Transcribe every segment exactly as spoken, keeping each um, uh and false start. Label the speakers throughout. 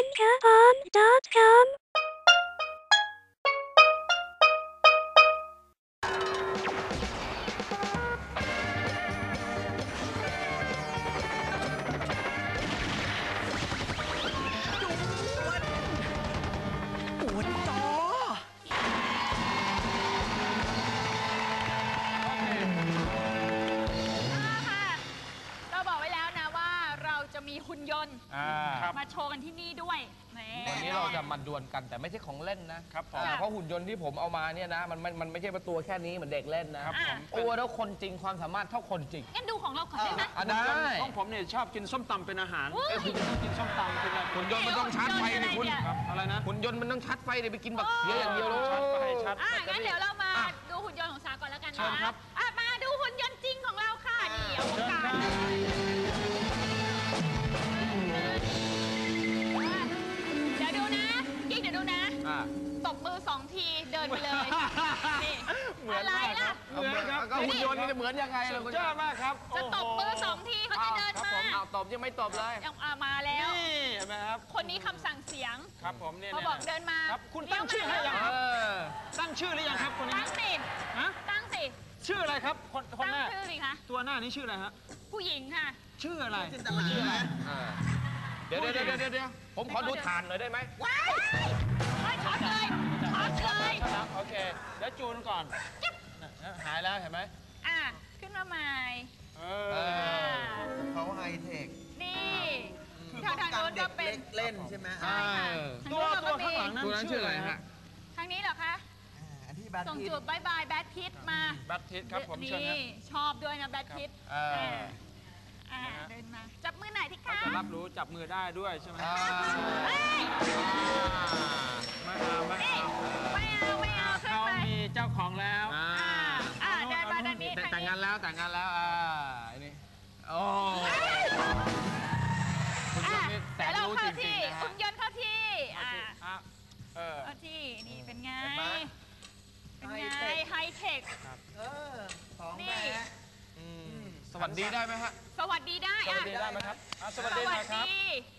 Speaker 1: Anchor dot com
Speaker 2: หุ่นยนต์มาโชว์กันที่นี่ด้วย
Speaker 3: วันนี้เราจะมาดวลกันแต่ไม่ใช่ของเล่นนะครับเพราะหุ่นยนต์ที่ผมเอามาเนี่ยนะมันมันไม่ใช่ประตูแค่นี้เหมือนเด็กเล่นนะครับตัวแล้วคนจริงความสามารถเท่าคนจริง
Speaker 2: งั้นดูของเราก่อนได้ไหม
Speaker 3: ได้
Speaker 4: ของผมเนี่ยชอบกินส้มตำเป็นอาหารคุณชอบกินส้มตำเป็นอะไร
Speaker 3: หุ่นยนต์มันต้องชาร์จไฟดิคุณ
Speaker 4: อะไรนะ
Speaker 3: หุ่นยนต์มันต้องชาร์จไฟเดี๋ยวไปกินบักเสียอย่างเดียวเลย
Speaker 4: ชาร์จไฟชาร์จ
Speaker 2: งั้นเดี๋ยวเรามาดูหุ่นยนต์ของสาก่อนแล้วกันนะมาดูหุ่นยนต์จริงของเราค่ะนี่อวกาศเดี๋ยวดูนะกิ๊กเดี๋ยวดูนะตบมือสองทีเดินไปเลยนี่อะไรล่ะ
Speaker 3: เหมือนครับก็หุ่นยนต์นี่เหมือนยังไงล่ะ
Speaker 4: คุณเจ้ามากครับ
Speaker 2: จะตบมือสองทีเขาจะเดินมา
Speaker 3: เอาตบยังไม่ตบเลย
Speaker 2: ยังมาแล้ว
Speaker 4: นี่เห็นไหมครับ
Speaker 2: คนนี้คำสั่งเสียง
Speaker 4: ครับผมเนี่ย
Speaker 2: เขาบอกเดินมา
Speaker 4: ครับคุณตั้งชื่อให้ยังครับตั้งชื่อหรือยังครับคนนี้
Speaker 2: ตั้งสิ
Speaker 4: ฮะ
Speaker 2: ตั้งสิ
Speaker 4: ชื่ออะไรครับคนคนหน้า
Speaker 2: ตั้งชื่อสิคะ
Speaker 4: ตัวหน้านี้ชื่ออะไรฮะ
Speaker 2: ผู้หญิงค่ะ
Speaker 4: ชื่ออะไร
Speaker 3: ชื่ออะไรเดี๋ยวเดี๋ยวเดี๋ยวเดี๋ยวผมขอดูฐานหน่อยได้ไหม
Speaker 2: ว้ายช็อตเลยช็อตเลย
Speaker 4: โอเคแล้วจูนก่อนหายแล้วเห็นไหม
Speaker 2: อ่ะขึ้นมาใหม่
Speaker 5: เขาไฮเทค
Speaker 2: นี่ทางทางโน้นก็เป็น
Speaker 5: เล่นใช่ไหม
Speaker 4: ตัวตัวข้างหลังนั้น
Speaker 3: ชื่ออะไรฮะ
Speaker 2: ทางนี้เหรอคะส่งจูบบายบายแบทพิทมา
Speaker 4: แบทพิทครับผม
Speaker 2: นี่ชอบด้วยนะแบทพิทเดินมาจับมือไหนที่คะ
Speaker 4: จะรับรู้จับมือได้ด้วยใช่ไหมไม่เอาไม่เอา
Speaker 2: ไม่เอาไม่เอา
Speaker 4: เขามีเจ้าของแล้ว
Speaker 2: อ่าเดินมาด้านนี้
Speaker 3: แต่งงานแล้วแต่งงานแล้วอ่าอันนี้โอ้
Speaker 2: คุณยนต์นี่แต่รู้จริงๆนะฮะคุณยนต์เข้าที่อ่าเข้าที่นี่เป็นไงเป็นไงไฮเทค
Speaker 5: เออของแม่
Speaker 3: สวัสดีได้ไหมฮะ
Speaker 2: สวัสดีได้
Speaker 4: สวัสดีได้ไหมครับสวัสดีครับ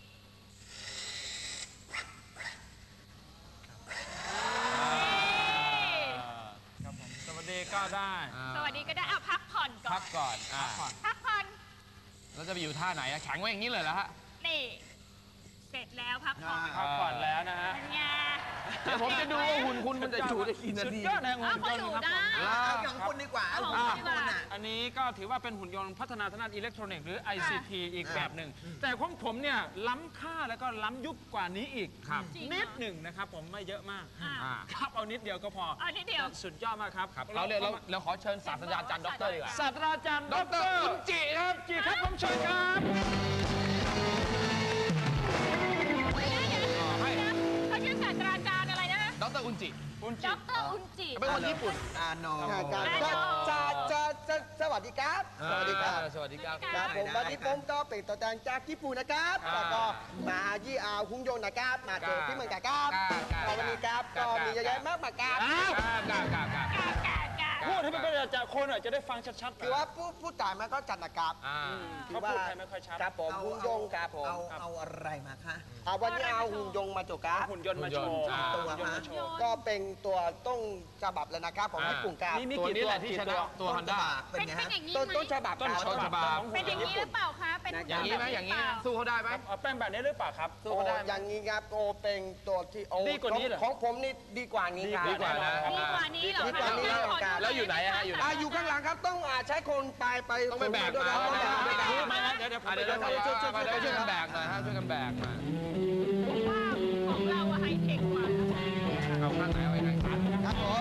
Speaker 4: สวัสดีก็ได้
Speaker 2: สวัสดีก็ได้เอาพักผ่อนก่อน
Speaker 3: พักก่อน
Speaker 2: พักผ่อน
Speaker 3: แล้วจะไปอยู่ท่าไหนแข็งไว้อย่างนี้เลยเหรอฮะ
Speaker 2: นี่เสร็จแล้วพักผ่อน
Speaker 4: พักผ่อนแล้วนะฮะ
Speaker 3: เดี๋ยวผมจะดูว่าหุ่นคุณมันจะอยู่ได้กี่นาที
Speaker 4: สุดยอดนะหุ่นยนต์ครับ
Speaker 5: เอาของคุณดีกว่าเอาของคุณอ่ะ
Speaker 4: อันนี้ก็ถือว่าเป็นหุ่นยนต์พัฒนาทางด้านอิเล็กทรอนิกส์หรือ ไอ ซี ที อีกแบบหนึ่งแต่ของผมเนี่ยล้ำค่าแล้วก็ล้ำยุคกว่านี้อีกนิดหนึ่งนะครับผมไม่เยอะมากครับเอานิดเดียวก็พอ
Speaker 2: เอานิดเดียว
Speaker 4: สุดยอดมากครับ
Speaker 3: เราเรียกเราขอเชิญศาสตราจารย์ด็อกเตอร์ดีกว่า
Speaker 4: ศาสตราจารย์ด็อกเตอร์อุจิครับจิครับผมเชิญครับ
Speaker 2: เขาชื่อศาสตราจารย์อะไรนะ
Speaker 3: ด็อกเตอร์อุจิ
Speaker 2: ด็อกเตอร์อุจิ
Speaker 3: เป็นคนญี่ปุ่น
Speaker 5: อาโนจะจะจะสวัสดีครับ
Speaker 3: สวัสดีครับสวัสดีครับ
Speaker 5: ครับผมวันนี้ผมก็เป็นตัวแทนจากญี่ปุ่นนะครับแล้วก็มาที่อาหุ่นยนต์นะครับมาเจอที่เมืองกาครับวันนี้ครับก็มีเยอะแยะมากมายครับ
Speaker 4: พูดให้มันเป็นจากคนอ่ะจะได้ฟังชัดๆ
Speaker 5: คือว่าผู้ผู้จ่ายมันก็จัดนะครับ
Speaker 4: เขาพูดไทยไม่ค่อยชัด
Speaker 5: ครับผมหุ่นยนต์ครับผมเอาเอาอะไรมาคะวันนี้เอาหุ่นยนต์มาโจครับ
Speaker 4: หุ่นยนต์มาโชว์
Speaker 5: ตัวก็เป็นตัวต้องฉบับเลยนะครับผมญี่ปุ่นครับ
Speaker 3: ตัวนี้แหละที่ชนะตัวฮอนด้า
Speaker 2: เป็นอย่างนี้
Speaker 5: ต้นต้นฉบับ
Speaker 3: ต้นฉบับ
Speaker 2: เป็นอย่างนี้หรือเปล่าคะเป็น
Speaker 3: อย่างนี้ไหมอย่างนี้สู้เขาได้ไหม
Speaker 4: แป้งแบบนี้หรือเปล่าครับ
Speaker 5: สู้เขาได้อย่างนี้ครับโอเป็นตัวที่โอ้
Speaker 4: ดีกว่านี้เหรอ
Speaker 5: ของผมนี่ดีกว่านี้ครับ
Speaker 3: ดีกว่านะ
Speaker 2: ดีกว่านี้เหรอ
Speaker 5: ดีกว่านี้
Speaker 3: แล้วอยู่ไหนฮะอยู่ไหน
Speaker 5: อยู่ข้างหลังครับต้องใช้คนไปไป
Speaker 3: ต้องไปแบกมา
Speaker 4: เดี๋ยวเดี๋ยว
Speaker 3: เดี๋ยวช่วยช่วยช่วยกันแบกหน่อยฮะช่วยกันแบกมา
Speaker 2: ของเราไฮเทคกว่า
Speaker 3: เอาข้างไหนเอาไปไหน
Speaker 5: ครับผม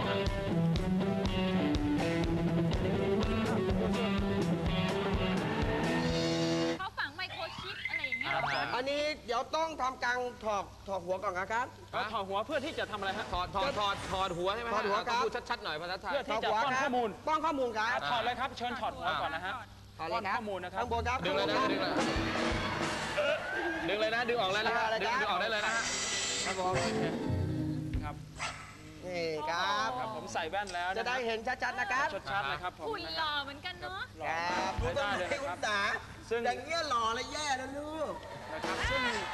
Speaker 2: เขาฝังไมโครชิปอะไรอย่างเงี้ย
Speaker 5: อันนี้เดี๋ยวต้องทำการถอดถอดหัวก่อนนะครับ
Speaker 4: ถอดหัวเพื่อที่จะทำอะไรฮะ
Speaker 3: ถอดถอดถอดถอดหัวใช่ไหม
Speaker 5: ถอดหัวครับ
Speaker 3: พูดชัดๆหน่อยภาษาไทย
Speaker 4: เพื่อที่จะป้อนข้อมูล
Speaker 5: ป้อนข้อมูลครับ
Speaker 4: ถอดเลยครับเชิญถอดหัวก่อนนะฮะป้อนข้อมูลนะครับ
Speaker 5: ข้างบนครับ
Speaker 3: ดึงเลยนะดึงเลยดึงเลยนะดึงออกแล้วนะดึงดึงออกได้เลยนะครับ
Speaker 5: ผม
Speaker 4: ครับ
Speaker 5: นี่ครับ
Speaker 4: ผมใส่แว่นแล้ว
Speaker 5: จะได้เห็นชัดๆนะครับ
Speaker 4: ชัดๆเลยครับผม
Speaker 2: หุ่นหล่อเหมือนกันเนาะ
Speaker 5: ครับดูตรงนี้คุณตาซึ่งอย่างเงี้ยหล่อและแย่แล้วลูก
Speaker 4: นะครับซึ่งถ้า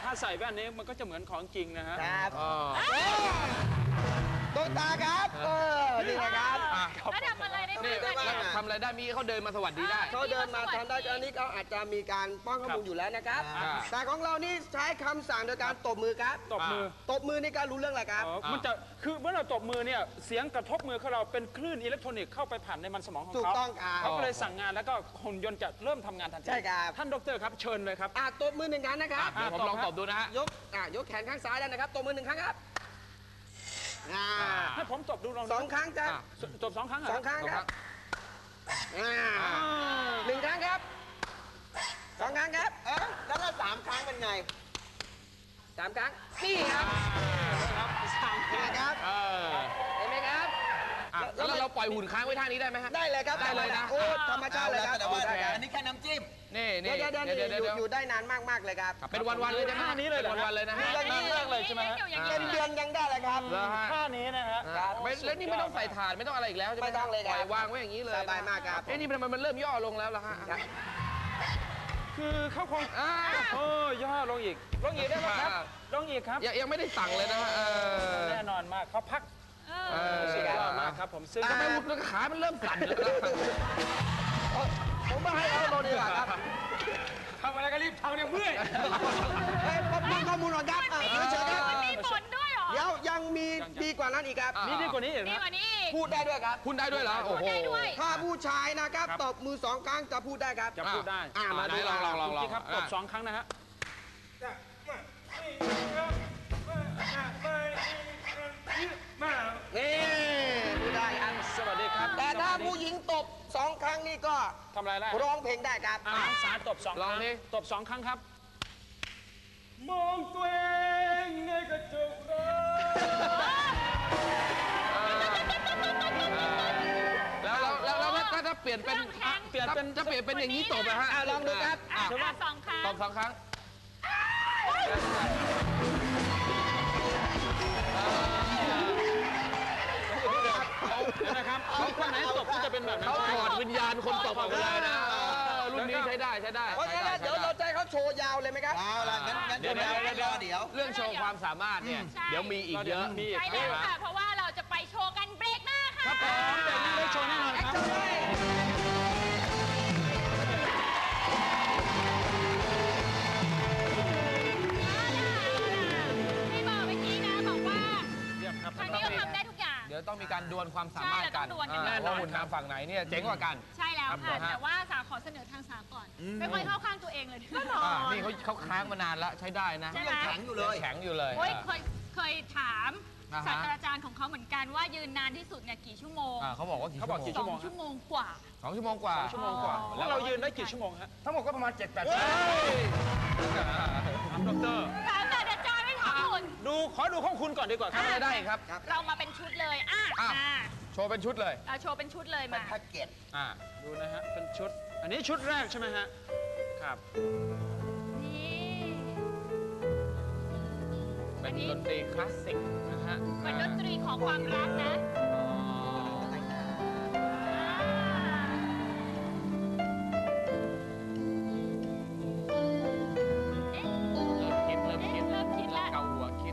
Speaker 4: ถ้าใส่แว่นนี้มันก็จะเหมือนของจริงนะฮะ
Speaker 5: ครับ
Speaker 3: อ๋อ
Speaker 5: ตุ๊กตาครับเออนี่นะครับ
Speaker 3: อ่ะ
Speaker 2: แล้วทำอะไรได้
Speaker 3: นี่
Speaker 2: บ้าง
Speaker 5: ได้
Speaker 2: เนี่ย
Speaker 5: บ้าง
Speaker 3: ทำอะไรได้มีเขาเดินมาสวัสดีได้
Speaker 5: เขาเดินมาทำได้อันนี้เขาอาจจะมีการป้อนข้อมูลอยู่แล้วนะครับ
Speaker 3: อ่า
Speaker 5: แต่ของเรานี่ใช้คำสั่งโดยการตบมือครับ
Speaker 4: ตบมือ
Speaker 5: ตบมือในการรู้เรื่องอะไรครับ
Speaker 4: อ๋อมันจะคือเมื่อเราตบมือเนี่ยเสียงกระทบมือของเราเป็นคลื่นอิเล็กทรอนิกส์เข้าไปผ่านในมันสมองของ
Speaker 5: ถูก
Speaker 4: เขา
Speaker 5: ต้องครับ
Speaker 4: เขาก็เลยสั่งงานแล้วก็หุ่นยนต์จะเริ่มทำงานทันที
Speaker 5: ใช่ครับ
Speaker 4: ท่านดรครับเชิญเลยครับ
Speaker 5: อ่ะตบมือหนึ่งครั้งนะครับ
Speaker 3: เดี๋ยวผมลองตบดูนะฮะ
Speaker 5: ยกอ่ะยกแขนข้างซ้ายแล้วนะครับตบมือหนึ่งครั้งครับอ่า
Speaker 4: ให้ผมตบดูลอง
Speaker 5: สองครั้งจ้ะ
Speaker 3: อ่ะ
Speaker 4: ตบสองครั้งเหร
Speaker 5: สองครั้ง
Speaker 3: สอง
Speaker 5: ค
Speaker 3: ค
Speaker 5: รั
Speaker 3: รั้
Speaker 5: บ
Speaker 3: ง
Speaker 5: อ่า
Speaker 4: อ่า
Speaker 5: หนึ่งครั้งครับสองครั้งครับเออแล้วถ้าสามครั้งเป็นไงสามครั้งนี่ครับ
Speaker 4: ครับสามค
Speaker 5: เห็น
Speaker 4: รั้ง
Speaker 5: ไหมครับ
Speaker 3: เออ
Speaker 5: เห็นไหมครับ
Speaker 3: อ่ะแล้วเราปล่อยหุ่นค้างไว้ท่านี้ได้ไหมฮะ
Speaker 5: ได้เลยครับ
Speaker 3: ได้เลยนะ
Speaker 5: โอ้ธรรมชาติเลยครับ
Speaker 6: แต่ว่า
Speaker 5: ได้ครับ
Speaker 6: อันนี้แค่น้ำจิ้ม
Speaker 3: นี่
Speaker 5: เดี๋
Speaker 3: นี่
Speaker 5: ยวเดี๋ยวเดี๋ยว
Speaker 3: เดี๋ยว
Speaker 5: อ
Speaker 3: เดี๋ยว
Speaker 5: ยู่อยู่ได้นานมากๆเลยครับ
Speaker 3: เป็นวันๆเลยใช่ไหม
Speaker 4: ท่านี้เลยเหรอ
Speaker 3: เป็นวันๆเลยนะฮะ
Speaker 5: อย่างนี้
Speaker 4: เลิกเลยใช่ไหมฮะ
Speaker 2: อยู่อย่าง
Speaker 5: เป็
Speaker 2: นี้
Speaker 5: นเดือนยังได้เลยครับ
Speaker 3: แล้วฮะ
Speaker 4: ท่านี้นะฮะ
Speaker 5: ครับ
Speaker 3: ไม่แล้วนี่ไม่ต้องใส่ถ่านไม่ต้องอะไรอีกแล้วใช่ไหม
Speaker 5: ไม่ต้องเลยครับ
Speaker 3: ปล่อยวางไว้อย่างนี้เลย
Speaker 5: สบายมากครับ
Speaker 3: เอ้นี่มันมันเริ่มย่อลงแล้วล่ะฮะ
Speaker 5: ครับ
Speaker 4: คือเขาคง
Speaker 3: อ่า
Speaker 4: โอ้ย่อลงอีกลงอีกได้ไหมครับลงอีกครับ
Speaker 3: ยังยังไม่ได้สั่งเลยนะฮะเออ
Speaker 4: แน่นอนมากเขาพัก
Speaker 2: เอ
Speaker 3: เอ
Speaker 2: อ
Speaker 3: อ
Speaker 4: สุดยอดมากครับผมซึ่ง
Speaker 3: ทำไมหุ่นขามันเริ่มสั่นแล้วนะ
Speaker 5: ผมไม่ให้เขาโดนดีกว่าครับ
Speaker 4: ทำอะไรก็รีบทำเนี่ยเมื่อย
Speaker 5: เฮ้ยผมมีข้อมูลก่อนครับอ่ะเดี๋ยวเชิญครับ
Speaker 2: มันมีผลด้วยเหรอ
Speaker 5: เดี๋ยวยังมีดีกว่านั้นอีกครับ
Speaker 3: อ่ะ
Speaker 4: นี่ดีกว่านี้อีก
Speaker 2: ดี
Speaker 4: นะ
Speaker 2: กว่านี้อีก
Speaker 5: พูดได้ด้วยครับ
Speaker 3: คุณได้ด้วยเหรอโอ้โห
Speaker 2: ได้ด้วย
Speaker 5: ถ้าผู้ชายนะครับ
Speaker 4: ครับ
Speaker 5: ตบมือสองครั้งจะพูดได้ครับ
Speaker 4: จะพูดได้
Speaker 5: อ่ะมาดู
Speaker 3: ไหนลองลองลอง
Speaker 4: คุณพี่ครับตบสองครั้งนะฮะ
Speaker 5: นี่พูดได้ครับ
Speaker 4: สวัสดีครับ
Speaker 5: แต่ถ้าผู้หญิงตบสองครั้งนี่ก็
Speaker 4: ทำอะไรได้
Speaker 5: ร้องเพลงได้ครับ
Speaker 4: อ่าสายตบสองค
Speaker 3: ลอง
Speaker 4: รั้ง
Speaker 3: ดิ
Speaker 4: ตบสองครั้งครับ มองตัวเองในกระจกรถ
Speaker 3: แล้วแล้วแล้วแล้วถ้าถ้าเปลี่ยนเป็น
Speaker 2: แข็ง
Speaker 3: เปลี่ยนเป็นถ้าเปลี่ยนเป็นอย่างนี้ตบอะฮะ
Speaker 5: อ่ะลองดูครับ
Speaker 2: อ่ะอ่ะสองครั้ง
Speaker 3: ตบสองครั้ง
Speaker 4: เดี๋ยวนะครับคนไหนตบก็จะเป็นแบบนั้น
Speaker 3: เขาถอดวิญญาณคนตบออกไปเลยนะเออรุ่นนี้ใช้ได้ใช้ได้
Speaker 5: เพราะฉะนั้นเดี๋ยวเราจะให้เขาโชว์ยาวเลยไหมครับ
Speaker 6: เอาละงั้นงั้น
Speaker 3: เดี๋ยว
Speaker 6: เดี๋ยว
Speaker 3: เดี๋ยว
Speaker 6: เดี๋ยวเดี๋ยว
Speaker 3: เรื่องโชว์ความสามารถเนี่ย
Speaker 2: ใช่
Speaker 3: เดี๋ยวมีอีกเยอะ
Speaker 4: มีอีก
Speaker 2: ใช่แล้วค่ะ เพราะว่าเราจะไปโชว์กันเบรกหน้าค่ะ
Speaker 4: ครับผมเดี๋ยวนี้ได้โชว์แน่นอนครับ
Speaker 2: ที่บอกเมื่อกี้นะบอกว่า
Speaker 4: เยี่ยมครับ
Speaker 2: ทางนี้ก็ทำได้ทุกอย่าง
Speaker 3: เดี๋ยวต้องมีการดวลความสามารถกัน
Speaker 2: ใช่เราต้องดวลกัน
Speaker 3: แน่นอนหุ่นทางฝั่งไหนเนี่ยเจ๋งกว่ากัน
Speaker 2: ใช่แล้ว
Speaker 3: ครั
Speaker 2: ค่ะ
Speaker 3: บผมฮะ
Speaker 2: แต่ว่าสาวขอเสนอทางสาวก่อน ไม่ค่อยเข้าข้างตัวเองเลยก็นอ
Speaker 3: อ่าน นี่เขาเขาค้างมานานแล้วใช้ได้นะ
Speaker 2: ใช่ไหม
Speaker 6: แข็งอยู่เลย
Speaker 3: แข็งอยู่เลย
Speaker 2: โอ้ยเคยเคยถาม
Speaker 3: อ่าฮะ
Speaker 2: ศาสตราจารย์ของเขาเหมือนกันว่ายืนนานที่สุดเนี่ยกี่ชั่วโมง
Speaker 3: อ่าเขาบอกว่ากี่
Speaker 4: เขาบอกกี่
Speaker 2: ส
Speaker 4: ชั่
Speaker 2: อ
Speaker 4: วโม
Speaker 2: ง
Speaker 4: ง
Speaker 2: ชั่วโมงกว่า
Speaker 3: สองชั่วโมงกว่า
Speaker 4: ชั่วโมงกว่า
Speaker 2: อ๋อ
Speaker 4: แล้วเรายืนได้กี่ชั่วโมงฮะ
Speaker 3: ทั้งหมดก็ประมาณเจ็ดแปด
Speaker 4: เฮ้ยถามดร
Speaker 2: ถามศาสตราจารย์ไม่ถามคุณ
Speaker 4: ดูขอดูของคุณก่อนดีกว่าครับ
Speaker 3: ทำอะไรได้อีกครับ
Speaker 2: เรามาเป็นชุดเลยอ่ะ
Speaker 3: อ่ะ
Speaker 2: อ่ะ
Speaker 3: โชว์เป็นชุดเลย
Speaker 2: เราโชว์เป็นชุดเลย
Speaker 6: เป็น
Speaker 2: มา
Speaker 6: แพ็กเกจ
Speaker 3: อ่า
Speaker 4: ดูนะฮะ เป็นชุด อันนี้ชุดแรกใช่ไหมฮะ ครับ
Speaker 2: นี่
Speaker 3: เป็นดนตรีคลาสสิกนะฮะ
Speaker 2: เป็นดนตรีของความรักนะ
Speaker 3: อ๋อ
Speaker 2: เอ๊ะ
Speaker 3: เริ่มคิดเริ่มคิด
Speaker 2: เริ่มคิดละ
Speaker 3: เกาหัวคิด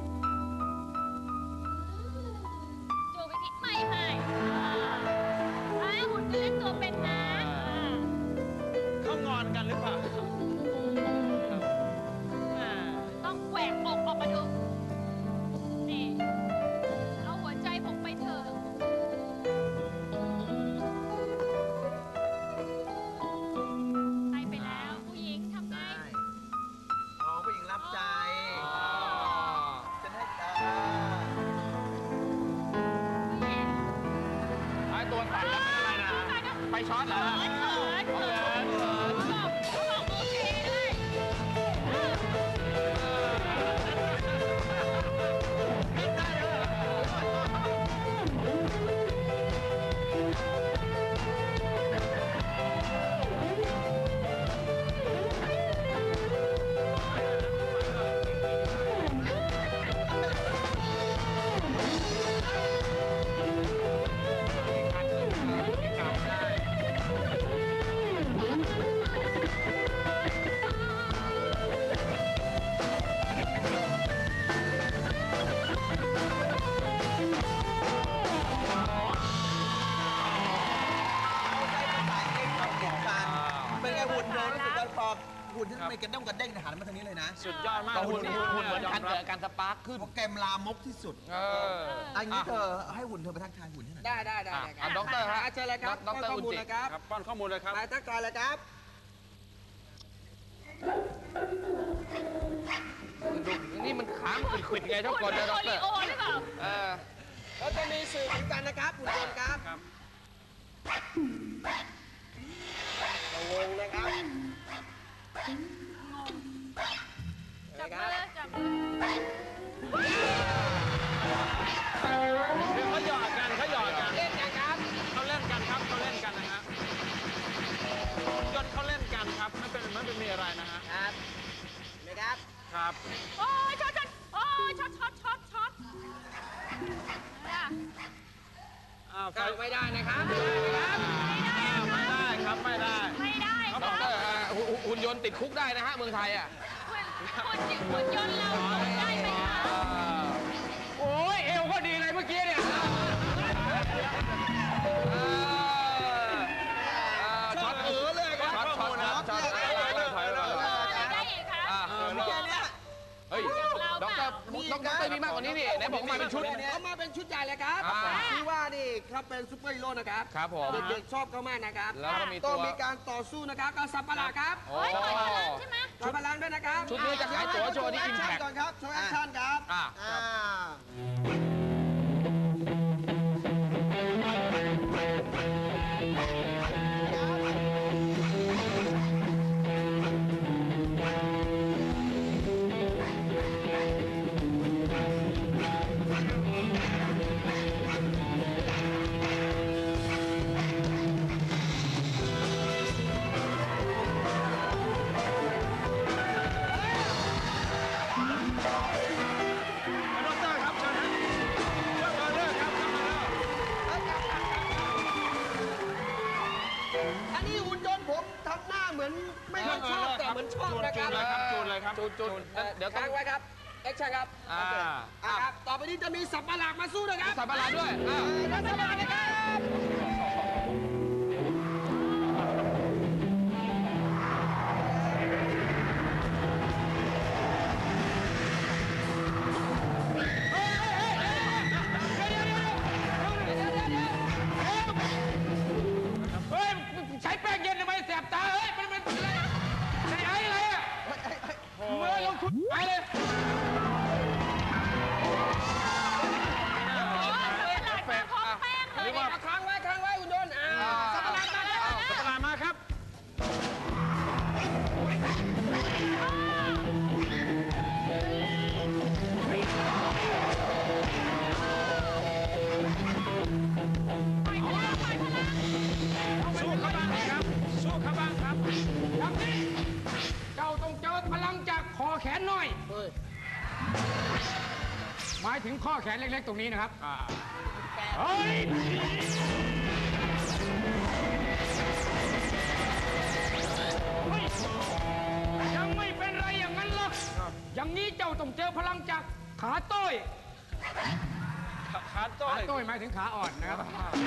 Speaker 2: จูไปคิดไม่ให้อ่าหุ่นก็เล่นตัวเป็นนะอ่า
Speaker 4: เขางอนกันหรือเปล่าอ่า
Speaker 2: ต้องแหวกอกออกมาดู นี่ เอาหัวใจผมไปเถอะ
Speaker 5: กระด้งกระเด้งหันมาทางนี้เลยนะ
Speaker 4: สุดยอดมาก
Speaker 3: ก็หุ่นหุ่นเหมือนกันเกิดการสปาร์คขึ้น
Speaker 5: เพราะแกมลามกที่สุด
Speaker 3: เออ
Speaker 5: อันนี้เธอให้หุ่นเธอไปทักทายหุ่นให้หน่อย
Speaker 3: ได้ได้ได้อ่ะด็อกเตอร์ฮะ
Speaker 5: เชิญเลยครับ
Speaker 3: ด็อกเตอร์
Speaker 5: ข้อ
Speaker 3: อุ
Speaker 5: มูล
Speaker 3: จิ
Speaker 5: นะครับ
Speaker 4: ครับป้อนข้อมูลเลยครับ
Speaker 5: มาทักทายเลยครับ
Speaker 3: ดูนี่มันขามนขุดๆไงทุกคนนะด็อกเตอร์
Speaker 2: โอริโอหรือเปล่า
Speaker 3: เออ
Speaker 5: แล้วจะมีสื่อเหมือนกันนะครับหุ่นยนต์ครับ
Speaker 4: ครับ
Speaker 5: งงนะครับ
Speaker 2: จับมือจับมือ
Speaker 4: เดี๋ยวเขาหยอดกันเขาหยอดกัน
Speaker 3: เล่นกันครับ
Speaker 4: เขาเล่นกันครับเขาเล่นกันนะฮะยนต์เขาเล่นกันครับไม่เป็นไม่เป็นมีอะไรนะฮะ
Speaker 5: ครับเห็นไหมครับ
Speaker 4: ครับ
Speaker 2: โอ้ยช็อตช็อตโอ้ยช็อตช็อตช็อตช็อตเนี่ย
Speaker 4: อ้าวไฟ
Speaker 3: ไม่ได้นะครับ
Speaker 4: ไม่ได้ครับไม่ได้
Speaker 2: ไม่ได้
Speaker 3: ด็อกเตอร์อ่ะหุ่นหุ่นยนต์ติดคุกได้นะฮะเมืองไทยอ่ะ
Speaker 2: คุณคุณยนต์เราได้ไหมคะ
Speaker 3: โอ้ยเอวก็ดีเลยเมื่อกี้เนี่ยช็อตเออเลยช็อตช็อตช็อตช็อตถอยเลยถอยเลย
Speaker 2: ได้อีกคะ
Speaker 5: มีแค่เนี้ย
Speaker 3: เฮ้ยด็อกเตอร์ด็อกเตอร์มีมากกว่านี้นี่ไหนบอกมาเป็นชุด
Speaker 5: เขามาเป็นชุดใหญ่เลยครับ
Speaker 3: อ่า
Speaker 5: ที่ว่านี่ครับเป็นซูเปอร์ฮีโร่นะครับ
Speaker 3: ครับผม
Speaker 5: เด็กๆชอบเขามากนะครับ
Speaker 3: แล้วก็มีตัว
Speaker 5: ต้องมีการต่อสู้นะครับกับสัตว์ประหลาดครับ
Speaker 3: โอ้
Speaker 2: เฮ้ยต่อยพลังใช่ไหม
Speaker 5: สัตว์ประหลาดด้วยนะครับ
Speaker 3: ชุดนี้จะขายตั๋วโชว์ที่ Impact
Speaker 5: ก่อนครับโชว์แอคชั่นครับ
Speaker 3: อ่า
Speaker 5: อ่า
Speaker 4: ดอกเตอร์ครับเชิญนะเชิญมาเลยครับเชิญมาเลย
Speaker 5: อันนี้หุ่นยนต์ผมทำหน้าเหมือนไม่ค่อยชอบแต่เหมือนชอบนะครับ
Speaker 4: จูนเลยครับจูนเลยครับ
Speaker 3: จุดจุดเดี๋ยวต้อ
Speaker 5: ค้าง งไว้ครับแอคชั่นครับ
Speaker 3: อ่า
Speaker 5: อ่าครับต่อไปนี้จะมีสัตว์ประหลาดมาสู้นะครับ
Speaker 3: สับประหลาดด้วยอ่า
Speaker 5: สัตว์ประหลาดนะครับ
Speaker 3: เฮ้ยใช้แป้งเย็นทำไมแสบตาเฮ้ยมันมันอะไรใช้ไอ้อะไรอ่ะเมื่อลงทุนไอ้เลย
Speaker 2: ตลาดมาพร้อมแป้งเลยเนี่ย
Speaker 5: ค้างไว้ค้างไว้หุ่นยนต์อ่าสัตว์ประหลาดมาแล้ว
Speaker 4: สัตว์ประหลาดมาครับ สู้เขาบ้างครับ สู้เขาบ้างครับ
Speaker 3: ครับนี่เจ้าต้องเจอพลังจากคอแขนหน่อย หมายถึงข้อแขนเล็กๆตรงนี้นะครับเฮ้ยเฮ้ยยังไม่เป็นไรอย่างนั้นหรอกอย่างนี้เจ้าต้องเจอพลังจากขาโต้ย
Speaker 4: ขาโต้
Speaker 3: ขาย โต้ยหมายถึงขาอ่อนนะครับ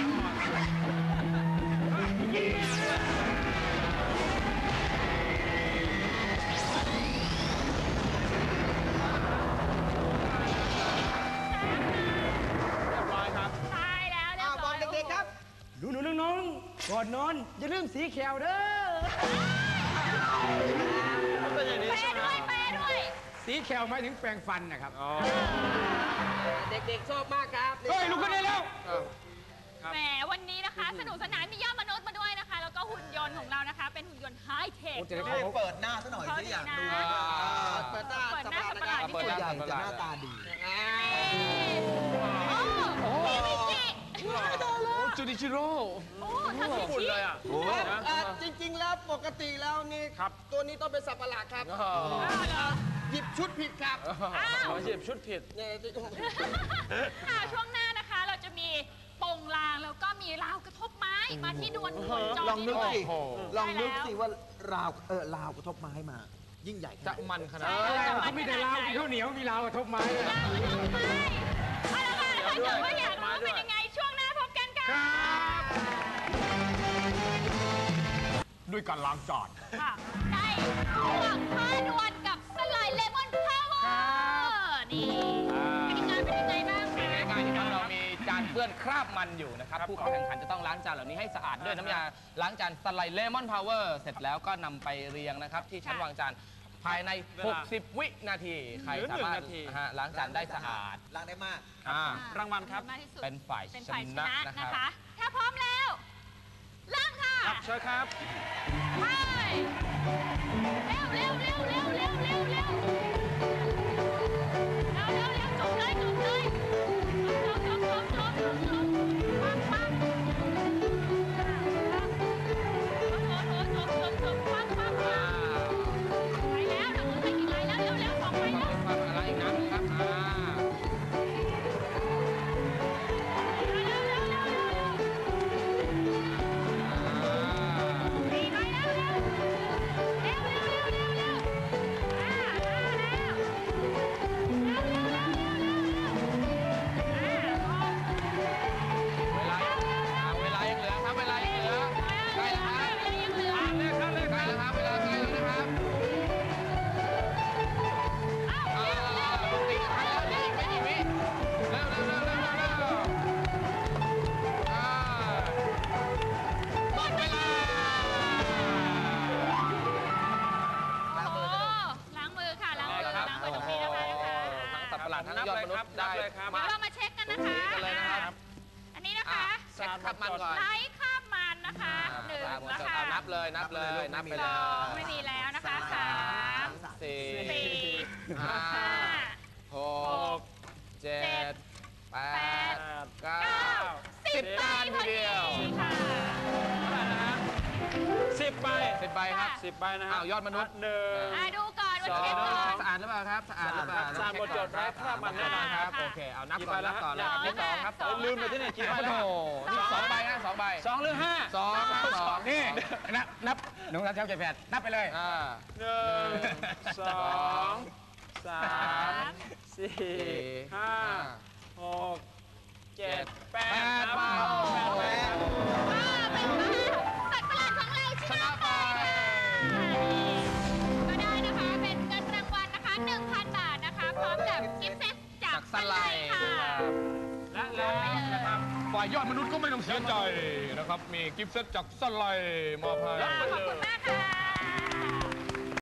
Speaker 4: เรียบร้อยครับ
Speaker 2: ตายแล้วเรีย
Speaker 5: อ่า
Speaker 2: บ
Speaker 5: บ
Speaker 2: ร้
Speaker 5: อ
Speaker 2: อก ย
Speaker 5: เด็กๆครับ
Speaker 3: หนูหนูน้องๆก่อนนอน อย่าลืมสีเขียวเด้อ
Speaker 4: เป็นอย่างนี้
Speaker 2: แปร
Speaker 4: ใช่ไหม
Speaker 2: ด้วยแปรด้วย
Speaker 3: สีเขียวหมายถึงแปรงฟันนะครับ
Speaker 4: อ๋อ
Speaker 5: เด็กๆชอบมากครับ
Speaker 3: เฮ้ยลุกขึ้นได้แล้ว
Speaker 2: แหมวันนี้นะคะ สนุกสนานมียอดมนุษย์มาด้วยนะคะ แล้วก็หุ่นยนต์ของเรานะคะ เป็นหุ่นยนต์ไฮเทค
Speaker 3: โอ้จะได้
Speaker 5: นี่เปิดหน้าซะหน่อยสิอยากดู
Speaker 2: เขาดีนะ
Speaker 5: เปิดหน้า
Speaker 2: เปิดหน้า
Speaker 5: สัปดาห์
Speaker 2: สัปดาห์
Speaker 5: นะครับ
Speaker 3: เปิดหน้า
Speaker 5: ตัวใหญ่จะหน้าตาดี
Speaker 2: โอ้มีมิจิ
Speaker 3: จูดิชิโร่
Speaker 2: โอ้ทาเค
Speaker 4: ฝุ่น
Speaker 2: ชิ
Speaker 4: เลยอ่ะ
Speaker 5: เอ่อจริง ๆ แล้วปกติแล้วนี่
Speaker 4: ครับ
Speaker 5: ตัวนี้ต้องเป็นสัตว์ประหลาดครับ
Speaker 2: อ้าวเหรอ
Speaker 5: หยิบชุดผิดครับ
Speaker 2: อ้าว
Speaker 4: หยิบชุดผิด
Speaker 5: เนี่ย
Speaker 2: ค่ะช่วงหน้านะคะ เราจะมีโป่งลางแล้วก็มีราวกระทบไม้มาที่ดวลวงจร
Speaker 5: ลองนึก
Speaker 2: ด้วย
Speaker 5: สิลองนึกสิว่าราวเออราวกระทบไม้มา ยิ่งใหญ่ข
Speaker 3: จะ
Speaker 5: นาดไหน
Speaker 3: มันขนาด
Speaker 2: เอ
Speaker 3: นั้น
Speaker 2: อ
Speaker 3: เขามีแต่ลาวมีข้าวเหนียวมีลาวกระทบไม้ด้วย
Speaker 2: ราวกระทบไม้เอาละค่ะถ้าเกิดว่าอยากรู้เป็นยังไงช่วงหน้าพบกันค่ะ
Speaker 3: มด้วยการล้างจาน
Speaker 2: ค่ะได้พวกผ้าด่วนกับสไลด์เลมอนพาวเวอร์นี่กติกาเป็นยังไงบ้างคะ
Speaker 3: ง่ายๆนะครับเรามีจานเปื้อนคราบมันอยู่นะครับผู้เข้าแข่งขันจะต้องล้างจานเหล่านี้ให้สะอาดด้วยน้ำยาล้างจานสไลด์เลมอนพาวเวอร์เสร็จแล้วก็นำไปเรียงนะครับที่ชั้นวางจานภายใน หกสิบ วินาทีใครสามารถนะฮะล้างจานได้สะอาด
Speaker 5: ล้างได้มาก
Speaker 3: อ่าร
Speaker 4: างวัลครับ
Speaker 2: มากที่สุด
Speaker 3: เป็นฝ่าย
Speaker 2: เป็น
Speaker 3: ช
Speaker 2: ฝ่ายช
Speaker 3: นะ
Speaker 2: นะ
Speaker 3: นะค
Speaker 2: นะ
Speaker 3: รับ
Speaker 2: คะ ถ้าพร้อมแล้วเริ่มค่ะ
Speaker 4: ครับเชิญครับ
Speaker 2: ไปเร็วเร็วเร็วเร็วเร็วเร็วเร็วเร็วเร็วเร็วจบเลยจบเลยจบจบจบจบจบจบปังปังโอ้โหจบจบจบปังปังปังไปแล้วนะคุณไปกี่ไรแล้วเร็วเร็วสองไปแล้ว
Speaker 3: ความอะไรอีกน้ำครับอ่า
Speaker 2: เร็วเร็วเร็วเร็วเร็วสี่ไปแล้วเร็วเร็วเร็วเร็วเร็วเร็วอ่ามาแล้วเร็วเร็วเร็วเร็วเร็วเร็วอ่าพอ
Speaker 3: เวลาอ่าเวลายังเหลือครับเวลายังเหลือใกล้แล้วครับ
Speaker 2: ยังเหลือ
Speaker 4: เลยครับเลย
Speaker 3: ใก
Speaker 4: ค
Speaker 3: ล้
Speaker 4: รับ
Speaker 3: แล้วครับเวลาใกล้แล้วนะครับ
Speaker 2: อ้าว
Speaker 3: อ่า
Speaker 2: เร็วเร็ว
Speaker 3: ปกติทันแล้วเหลืออีกไม่กี่วิเร็วเร็วเร็วเร็วเร็วเร็วอ่าหมดเวลา
Speaker 2: โอ้โหล้างมือค่ะล้างมือล้างมือตรงนี้นะคะนะคะ
Speaker 3: ทั้งสัตว์ประหลาดทั้งยอดมนุษย์ได้
Speaker 2: เดี๋ยวเรามาเช็คกันนะคะ
Speaker 3: กันเลยนะครับ
Speaker 2: อันนี้นะ
Speaker 3: อ่ะ
Speaker 2: คะ
Speaker 3: เช็คขับมันก่อน
Speaker 2: ไลท์คราบมันนะคะหนึ่ง
Speaker 3: อ่า
Speaker 2: แล้ว
Speaker 3: หมด
Speaker 2: ค่ะ
Speaker 3: เอานับเลยนับเลยนับไป
Speaker 2: ส
Speaker 3: เล
Speaker 2: อง
Speaker 3: ย
Speaker 2: ไม่มีแล้วนะคะสาม
Speaker 3: สี่
Speaker 2: สี่
Speaker 3: ห้า
Speaker 2: ห้า
Speaker 3: หกเจ็ดแป
Speaker 2: แป
Speaker 3: ด
Speaker 2: ด
Speaker 3: เก้า
Speaker 2: เก้าสิบ
Speaker 3: สิบ
Speaker 2: ใบ
Speaker 3: จาน
Speaker 2: พ
Speaker 3: ที
Speaker 2: อ
Speaker 3: เดี
Speaker 2: ดี
Speaker 3: ยว
Speaker 2: ค่ะ
Speaker 4: เท่าไหร่นะฮะสิบใบ
Speaker 3: สิบใบครับ
Speaker 4: สิบใบนะฮะ
Speaker 3: อ้าวยอดมนุษย์
Speaker 4: หนึ่ง
Speaker 2: อ่ะดูก่อนว่า
Speaker 3: สอง
Speaker 2: เช็คก่อน
Speaker 3: สะอาดหรือเปล่าครับสะอาดหรือเปล่า
Speaker 4: สะอาดหมดจดไร้คราบมันแน่นอนครับ
Speaker 3: โอเคเอานับ
Speaker 4: กี่
Speaker 3: ก่
Speaker 4: ใบ
Speaker 3: อน
Speaker 4: แล้
Speaker 3: นั
Speaker 4: ว
Speaker 3: บก่อน
Speaker 4: ครับ
Speaker 3: อันที่สองครับ
Speaker 2: สอง
Speaker 4: ลืมไปที่ไหนกี่ใบ
Speaker 3: โอ้
Speaker 4: แล้ว
Speaker 3: โหนี่สองใบนะสองใบ
Speaker 4: สองหรือห้า
Speaker 3: สองสอง
Speaker 6: นี่นับนับหนึ่งสามสี่ห้าเจ็ดแปดนับไปเลย
Speaker 3: อ่า
Speaker 4: หนึ่งสองสามสี่ห้าหกเจ็ดแปดครับ
Speaker 3: แปด
Speaker 4: แปดครับ
Speaker 2: ว้าวเป็นว่าสัตว์ประหลาดของเราชนะไปก็ได้นะคะ เป็นเงินรางวัลนะคะ หนึ่งพัน บาทนะคะ พร้อมกับกิฟต์เซตจากสไลด์ค่ะ
Speaker 4: และแล้วนะครับ
Speaker 6: ฝ่ายยอดมนุษย์ก็ไม่ต้องเสียใจนะครับ มีกิฟต์เซตจากสไลด์มอบให้
Speaker 2: ขอบคุณมากค่ะ